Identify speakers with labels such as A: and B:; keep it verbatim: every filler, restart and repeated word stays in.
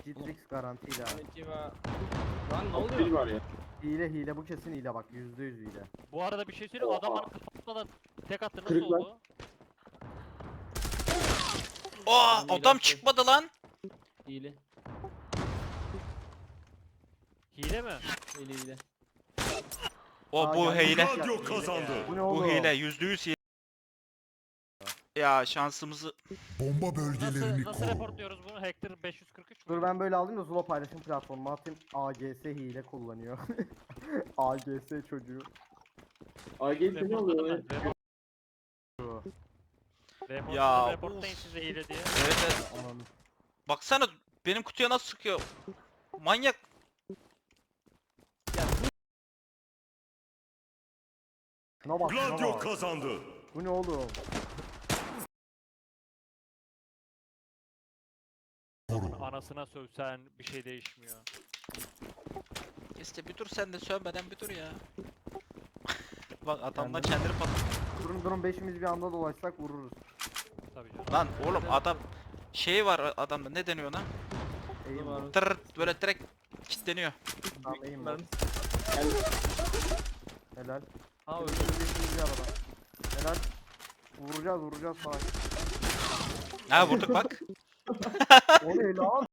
A: Citrix garantiyle abi.
B: Konnichiwa. Lan ne
C: Pil
B: oluyor?
C: var ya.
A: Hile hile bu kesin hile bak yüzde yüz hile.
D: Bu arada bir şey söyleyeyim. Adam
C: Oha.
D: bana kapatmadan tek attı. Nasıl
C: Kırık lan.
D: oldu?
E: Aa
B: Ben de
E: adam
B: ilaç-
E: çıkmadı lan.
B: Hile.
D: Hile mi?
B: Hile hile.
E: O
A: Aa,
E: bu
A: geldi.
E: hile.
F: Radyo kazandı.
A: Bu ne
E: Bu
A: oğlum?
E: hile yüzde yüz hile. Ya şansımızı
F: Bomba bölgelerini
D: Nasıl, nasıl
F: koru.
D: reportluyoruz bunu? Hacker beş yüz kırk üç mü?
A: Dur ben böyle alayım da Zula paylaşım platformuna atayım. A G S hile kullanıyor. A G S çocuğu.
C: A G S ne oluyor ya?
D: Reportladım ben. Report-
E: Ya,
D: Reportladım, reportlayın
E: of.
D: size hile diye.
E: evet, evet.
A: Ananı.
E: Baksana benim kutuya nasıl sıkıyor. Manyak.
A: Şuna bak şuna
F: Gladio
A: bak.
F: kazandı.
A: Bu ne oğlum?
F: Koru.
D: Anasına sövsen bir şey değişmiyor.
E: İşte bir dur sen de sövmeden bir dur ya. Bak adamlar
A: Kendim-
E: kendini pat...
A: Durun durun beşimiz bir anda dolaşsak vururuz.
D: Tabii canım.
E: Lan oğlum adam şey var adamda ne deniyor lan?
A: Eğim var.
E: Tır böyle direkt kilitleniyor.
A: Tamam eğim var.
B: Ben...
A: Helal.
B: Ha
A: Öldü.
B: öldü.
A: Beşimiz bir arada. Helal. Vuracağız vuracağız falan.
E: Ha vurduk bak.
A: O ne lan?